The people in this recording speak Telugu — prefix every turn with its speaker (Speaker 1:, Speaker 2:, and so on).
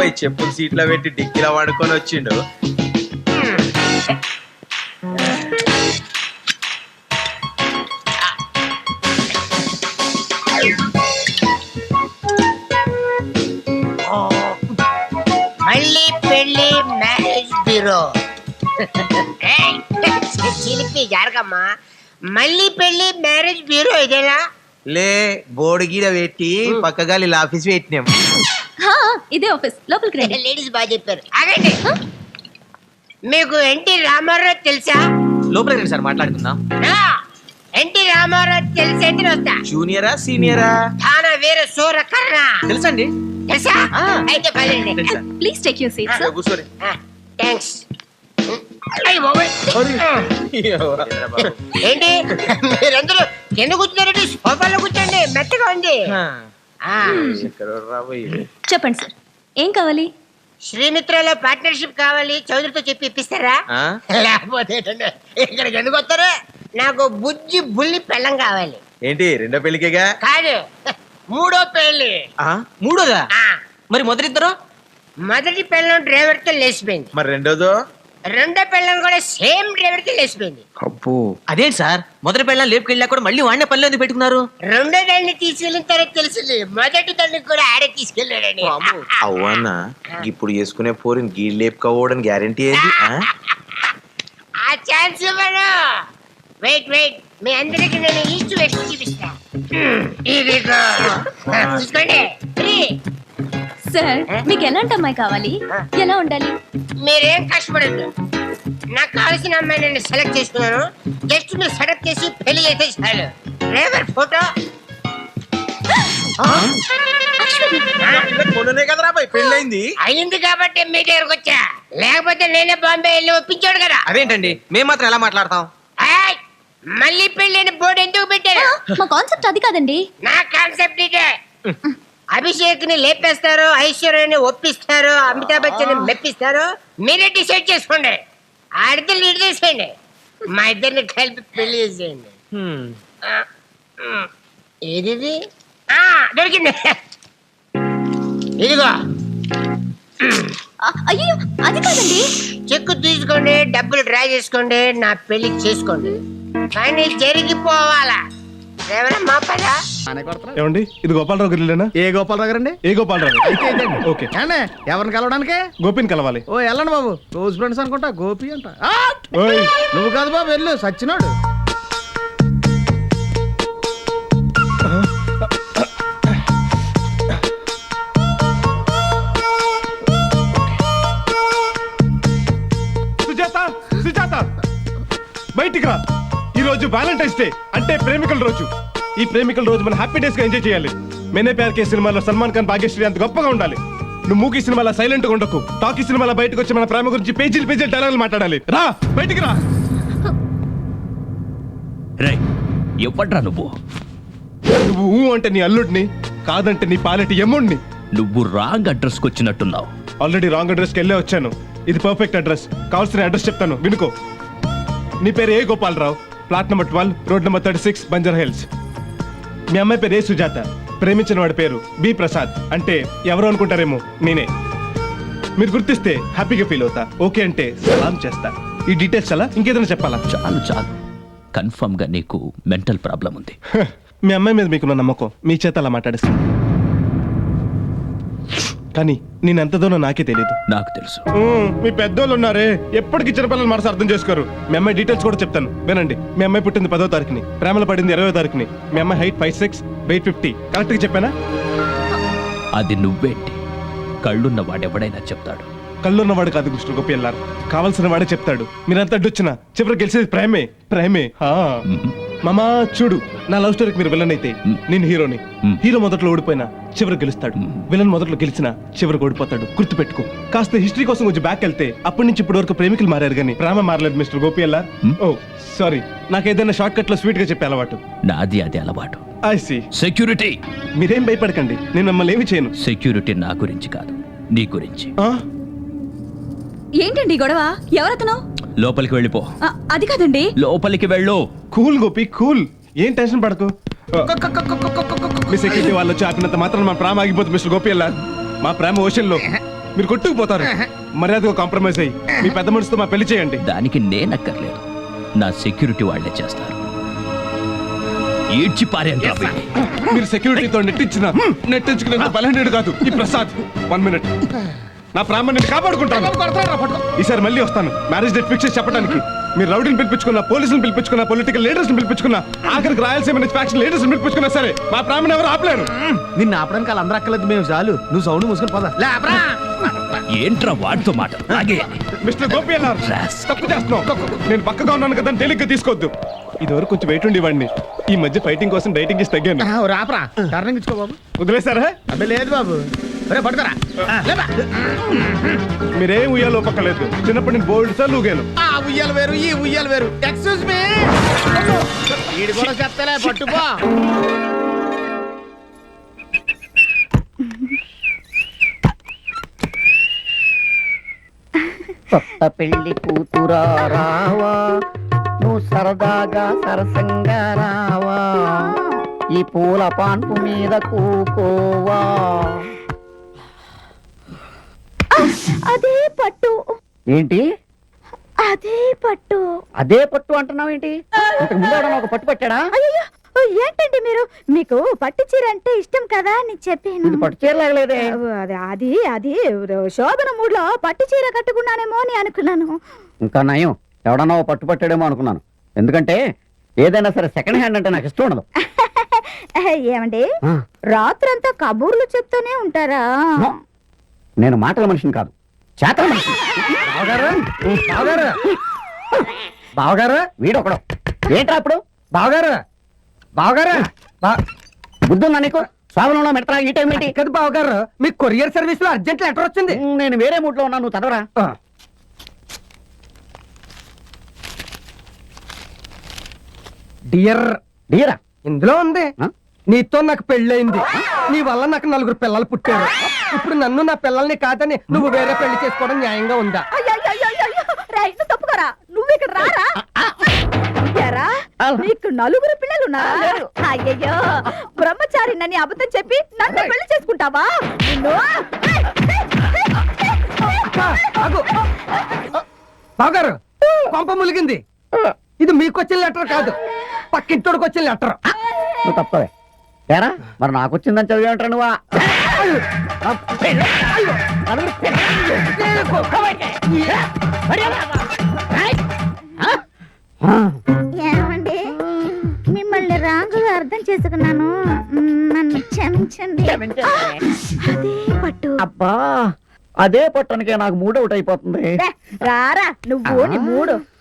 Speaker 1: పోయి చెప్పులు సీట్లో పెట్టి డిక్కీలో పడుకొని వచ్చిండు.
Speaker 2: మళ్ళీ పెళ్లి మ్యారేజ్ బ్యూరో. చిలిపి జరగమ్మా. మళ్ళీ పెళ్లి మ్యారేజ్ బ్యూరో ఇదేనా?
Speaker 1: లే బోర్డు గీడ పెట్టి పక్కగాలి ఆఫీస్ పెట్టినాం.
Speaker 3: ఇదే ఆఫీస్, లోపలికి రండి.
Speaker 2: లేడీస్ బాగా చెప్పారు. ఆగండి. మీకు ఎన్టీ రామారావు తెలుసా?
Speaker 4: లోపలికి రండి సార్ మాట్లాడుకుందాం.
Speaker 2: ఎన్టీ రామారావు తెలిసేంటి వస్తా.
Speaker 1: జూనియరా సీనియరా?
Speaker 2: తానా వేరే సూర కర్ణ
Speaker 4: తెలుసండి.
Speaker 2: తెలుసా? అయితే పదండి.
Speaker 3: Please take your seat sir.
Speaker 1: కూర్చోరి.
Speaker 2: థ్యాంక్స్. ఏంటి మీరందరూ కింద కూర్చున్నారండి? సోఫాలో కూర్చోండి, మెత్తగా ఉంది.
Speaker 3: చెప్పండి సార్, ఏం కావాలి?
Speaker 2: శ్రీమిత్రలో పార్ట్నర్షిప్ కావాలి, చౌదరితో చెప్పి ఇప్పిస్తారా? లేకపోతే ఇక్కడికి ఎందుకు వస్తారా? నాకు బుజ్జి బుల్లి పెళ్ళం కావాలి.
Speaker 1: ఏంటి రెండో పెళ్లికేగా?
Speaker 2: కాదు, మూడో పెళ్లి.
Speaker 4: మూడోదా? మరి మొదటిద్దరు?
Speaker 2: మొదటి పెళ్ళం డ్రైవర్ తో లేచిపోయింది.
Speaker 1: మరి రెండోదో?
Speaker 2: రెండో పెళ్ళం కూడా సేమ్ డ్రైవర్ తో లేచిపోయింది.
Speaker 1: అబ్బో,
Speaker 4: అదేంటి సార్, మొదటి పెళ్ళం లేపుకెళ్ళా కూడా మళ్ళీ వాడినే పనిలో ఎందుకు పెట్టుకున్నారు?
Speaker 2: రెండో దాన్ని తీసుకెళ్ళిన తర్వాత తెలిసింది మొదటి దాన్ని కూడా ఆడే తీసుకెళ్ళాడని.
Speaker 1: అవ్వన్నా ఇప్పుడు చేసుకునే పోరిని గీ లేపుకోవడానికి గ్యారంటీ ఏంది?
Speaker 2: ఆ ఛాన్స్ ఇవ్వను. వెయిట్ వెయిట్, మీ అందరికి నేను ఈస్ట్ వెస్ట్ చూపిస్తా. ఇదిగో చూసుకోండి.
Speaker 3: సార్, మీకు ఎలాంటి అమ్మాయి కావాలి? ఎలా ఉండాలి?
Speaker 2: మీరేం కష్టపడద్దు. నాకు కావాల్సిన అమ్మాయి నేను సెలెక్ట్ చేసుకున్నాను. జస్ట్ మీరు సెలెక్ట్ చేసి పెళ్లి చేస్తే చాలు. Driver photo.
Speaker 1: మొన్ననే కదరా బాయ్ పెళ్ళైంది.
Speaker 2: అయింది కాబట్టి మీ దగ్గరకు వచ్చా, లేకపోతే నేనే బాంబే వెళ్ళి ఒప్పించాడు కదా.
Speaker 4: అదేంటండి, మేము మాత్రం ఎలా మాట్లాడతాం?
Speaker 2: ఏయ్, మళ్ళీ పెళ్ళైన బోర్డు ఎందుకు పెట్టారు?
Speaker 3: మా కాన్సెప్ట్ అది కాదండి.
Speaker 2: నా కాన్సెప్ట్ ఇదే. అభిషేక్ ని లేపేస్తారు, ఐశ్వర్యని ఒప్పిస్తారు, అమితాబ్ బచ్చన్ మెప్పిస్తారు. మీరే డిసైడ్ చేసుకోండి. ఆడితే లీడ్ చేసేయండి, మా ఇద్దరిని కలిపి పెళ్లి చేసేయండి. ఏది దొరికింది, ఇదిగో.
Speaker 3: అయ్యో, అది కాదండి.
Speaker 2: చెక్కు తీసుకోండి, డబ్బులు డ్రా చేసుకోండి, నా పెళ్లి చేసుకోండి. కానీ జరిగిపోవాలా? ఎవరమ్మా పదా?
Speaker 5: ఏమండి, ఇది గోపాలరావు గారిలేనా?
Speaker 6: ఏ గోపాలరావు గారండి?
Speaker 5: ఏ గోపాలరావు? ఓకే.
Speaker 6: ఎవరిని కలవడానికి?
Speaker 5: గోపిని కలవాలి.
Speaker 6: ఓ వెళ్ళండి బాబు, క్లోజ్ ఫ్రెండ్స్ అనుకుంటా. గోపి అంట.
Speaker 5: ఓయ్,
Speaker 6: నువ్వు కాదు బాబు, వెళ్ళు, సచ్చినాడు.
Speaker 5: సుజాత, సుజాత బయటికి రా. ఈ రోజు వ్యాలంటైన్స్ డే, అంటే ప్రేమికుల రోజు. ఈ ప్రేమికుల రోజు మనం హ్యాపీ డేస్ గా ఎంజాయ్ చేయాలి. మేనే ప్యార్ కే సినిమాలో సల్మాన్ ఖాన్ భాగ్యశ్రీ అంత గొప్పగా ఉండాలి. నువ్వు మూకీ సినిమాలో సైలెంట్ గా ఉండకు. టాకీ సినిమాలో బయటకు వచ్చి మన ప్రేమ గురించి పేజీలు పేజీలు డైలాగులు మాట్లాడాలి. రా, బయటికి రా.
Speaker 7: ఎవడ్రా నువ్వు?
Speaker 5: నువ్వు ఊ అంటే నీ అల్లుడిని, కాదంటే నీ పాలెటి ఎమ్ముడిని.
Speaker 7: నువ్వు రాంగ్ అడ్రస్ కి వచ్చినట్టున్నావు.
Speaker 5: ఆల్రెడీ రాంగ్ అడ్రస్కి వెళ్ళే వచ్చాను. ఇది పర్ఫెక్ట్ అడ్రస్. కావాల్సిన అడ్రస్ చెప్తాను, వినుకో. నీ పేరు A Gopalarao, plot number 12, road number 36, Banjara Hills. మీ అమ్మాయి పేరు ఏ సుజాత, ప్రేమించిన వాడి పేరు బి ప్రసాద్. అంటే ఎవరు అనుకుంటారేమో, నేనే. మీరు గుర్తిస్తే హ్యాపీగా ఫీల్ అవుతా. ఓకే అంటే సలాం చేస్తా. ఈ డీటెయిల్స్ చాలా ఇంకేదైనా చెప్పాలా?
Speaker 7: చాలు చాలు, కన్ఫర్మ్ గా నీకు మెంటల్ ప్రాబ్లం ఉంది.
Speaker 5: మీ అమ్మాయి మీద మీకున్న నమ్మకం మీ చేత అలా మాట్లాడేస్తాను. కానీ నేను ఎంత దూరం నాకే తెలియదు.
Speaker 7: నాకు తెలుసు.
Speaker 5: మీ పెద్దోళ్ళు ఉన్నారే, ఎప్పటికీ చిన్నపిల్లలు మనసు అర్థం చేసుకోరు. మీ అమ్మాయి డీటెయిల్స్ కూడా చెప్తాను, వినండి. మీ అమ్మాయి పుట్టింది 10వ తారీఖుని, ప్రేమలో పడింది 20వ తారీఖుని. మీ అమ్మాయి హైట్ 5'6", వెయిట్ 50. కరెక్ట్ గా చెప్పానా?
Speaker 7: అది నువ్వేంటి? కళ్ళున్న వాడెవడైనా చెప్తాడు.
Speaker 5: కళ్ళున్నవాడు కాదు మిస్టర్ గోపియల్లార్, కావాల్సిన వాడే చెప్తాడు. మీరంతా అడ్డొచ్చినా చివరికి గెలిచేది ప్రేమే. ప్రేమే. మామా చూడు, నా లవ్ స్టోరీకి మీరు విలన్ అయితే నేను హీరోని. హీరో మొదట్లో ఓడిపోయినా చివరికి గెలుస్తాడు. విలన్ మొదట్లో గెలిచినా చివరికి ఓడిపోతాడు. గుర్తుపెట్టుకో. కాస్త హిస్టరీ కోసం కొంచెం బ్యాక్ వెళ్తే అప్పటి నుంచి ఇప్పటి వరకు ప్రేమికులు మారారు కానీ ప్రేమ మారలేదు మిస్టర్ గోపియల్లార్. ఓ సారీ, నాకు ఏదైనా షార్ట్ కట్ లో స్వీట్ గా చెప్పే అలవాటు.
Speaker 7: నాది అది అలవాటు.
Speaker 5: I see.
Speaker 7: సెక్యూరిటీ.
Speaker 5: మీరేం భయపడకండి, నేను మిమ్మల్ని ఏమి చేయను.
Speaker 7: సెక్యూరిటీ నా గురించి కాదు, నీ గురించి.
Speaker 3: ఏంటండి గొడవ? ఎవరతను?
Speaker 7: లోపలికి వెళ్ళిపో.
Speaker 3: అది కాదండి.
Speaker 7: లోపలికి వెళ్ళు.
Speaker 5: Cool Gopi, cool. ఏం టెన్షన్ పడకు. మీ సెక్యూరిటీ వాళ్ళు వచ్చి ఆపినంత మాత్రం మా ప్రేమ ఆగిపోతుంది మిస్టర్ గోపియల్లార్. మా ప్రేమ ఓషన్ లో మీరు కొట్టుకుపోతారు. మర్యాదగా కాంప్రమైజ్ అయ్యి మీ పెద్ద మనిషితో మా పెళ్లి చేయండి.
Speaker 7: దానికి నేనక్కర్లేదు, నా సెక్యూరిటీ వాళ్ళే చేస్తారు. ఈడ్చి పారేంట్రా వీడిని.
Speaker 5: మీరు సెక్యూరిటీతో నెట్టించుకునేంత బలహీనుడు కాదు ఈ ప్రసాద్. 1 మినిట్, నా ప్రామాణ్యాన్ని కాపాడుకుంటాను. ఈసారి మళ్ళీ వస్తాను మ్యారేజ్ డేట్ ఫిక్స్ చేసి చెప్పడానికి. మీరు రౌడీని పిలిపించుకున్నా, పోలీసులు పిలిపించుకున్నా, పొలిటికల్ లీడర్స్ పిలిపించుకున్నా, ఆఖరికి రాయలసీమ నుంచి ఫ్యాక్షన్ లీడర్స్ పిలిపించుకున్నా సరే మా ప్రామాణ్యం ఎవరు ఆపలేరు.
Speaker 6: నిన్ను ఆపడానికి వాళ్ళు అందరూ అక్కర్లేదు, మేము చాలు. నువ్వు సౌండ్ మూసుకొని పోదా.
Speaker 7: ఏంట్రా వాడితో మాట? అలాగే
Speaker 5: మిస్టర్ గోపి అన్నారు తప్పు చేస్తున్నావు. నేను పక్కగా ఉన్నాను కదా తేలిగ్గా తీసుకోవద్దు. ఇదివరకు కొంచెం వెయిట్ ఉండేవాడిని, ఈ మధ్య ఫైటింగ్ కోసం డైటింగ్ చేసి తగ్గాను.
Speaker 6: రాపరా టర్నింగ్ ఇచ్చుకో బాబు.
Speaker 5: వదిలేసారా?
Speaker 6: అబ్బే లేదు బాబు. రే పట్టుకోరా.
Speaker 5: మీరేం ఉయ్యాలో పక్కలేదు. చిన్నప్పటి నేను బోల్డ్ సార్లు ఊగాను.
Speaker 6: ఆ ఉయ్యాలు వేరు, ఈ ఉయ్యాలు వేరు. Excuse me. వీడి కూడా చెప్తలే, పట్టుకో.
Speaker 8: కొత్త పెళ్లి కూతురా రావా, నువ్వు సరదాగా సరసంగా రావా, ఈ పూల పాన్పు మీద కూకోవా.
Speaker 3: అదే పట్టు,
Speaker 8: ఏంటి
Speaker 3: అదే పట్టు.
Speaker 8: అదే పట్టు అంటున్నావు ఏంటి? ఇంతకు ముందు ఎవడన్నా ఒక పట్టు పట్టాడా?
Speaker 3: అయ్యో ఏంటండి మీరు, మీకు పట్టు చీర అంటే ఇష్టం కదా అని చెప్పాను.
Speaker 8: ఇది పట్టు చీరలాగలేదే.
Speaker 3: అది అది శోభన మూడ్లో పట్టు చీర కట్టుకున్నానేమో అని అనుకున్నాను.
Speaker 8: ఇంకా నయం, ఎవడన్నా ఓ పట్టు పట్టాడేమో అనుకున్నాను. ఎందుకంటే ఏదైనా సరే సెకండ్ హ్యాండ్ అంటే నాకు ఇష్టం ఉండదు.
Speaker 3: ఏమండి, రాత్రంతా కబూర్లు చెప్తూనే ఉంటారా?
Speaker 8: నేను మాటల మనిషిని కాదు, చేతల మనిషిని. బావగారు వీడొకడు. ఏంట్రా అప్పుడు బావగారు? బావగారు బుద్ధుందా నీకు? స్వాభంలో మెడతా ఈ టైం ఏంటి కదా బావగారు? మీకు కొరియర్ సర్వీస్ లో అర్జెంట్ లెటర్ వచ్చింది. నేను వేరే మూడ్ లో ఉన్నాను, నువ్వు చదవరా.
Speaker 9: డియర్
Speaker 8: డియరా
Speaker 9: ఇందులో ఉంది, నీతో నాకు పెళ్ళయింది, నీ వల్ల నాకు 4 పిల్లలు పుట్టారు. ఇప్పుడు నన్ను నా పిల్లల్ని కాదని నువ్వు వేరే పెళ్లి చేసుకోవడం న్యాయంగా ఉందా?
Speaker 3: తప్పుకోరా, నువ్వు ఇక్కడ రారా. నీకు 4 పిల్లలు ఉన్నారా? అయ్యయ్యో, బ్రహ్మచారి నన్ను అబద్ధం చెప్పి నన్ను పెళ్లి చేసుకుంటావా?
Speaker 9: బావగారు కొంప ములిగింది. ఇది మీకు వచ్చిన లెటర్ కాదు, పక్కింటోడికి వచ్చిన లెటర్.
Speaker 8: నువ్వు తప్పవే. ఏరా మరి నాకు వచ్చిందని చదివేంటారు నువ్వా?
Speaker 3: ఏమండి, మిమ్మల్ని రాంగుగా అర్థం చేసుకున్నాను, నన్ను క్షమించండి. అదే పట్టు.
Speaker 8: అబ్బా అదే పట్టణకే నాకు మూడ్ అవుట్ అయిపోతుంది.
Speaker 3: రారా నువ్వు నీ మూడు.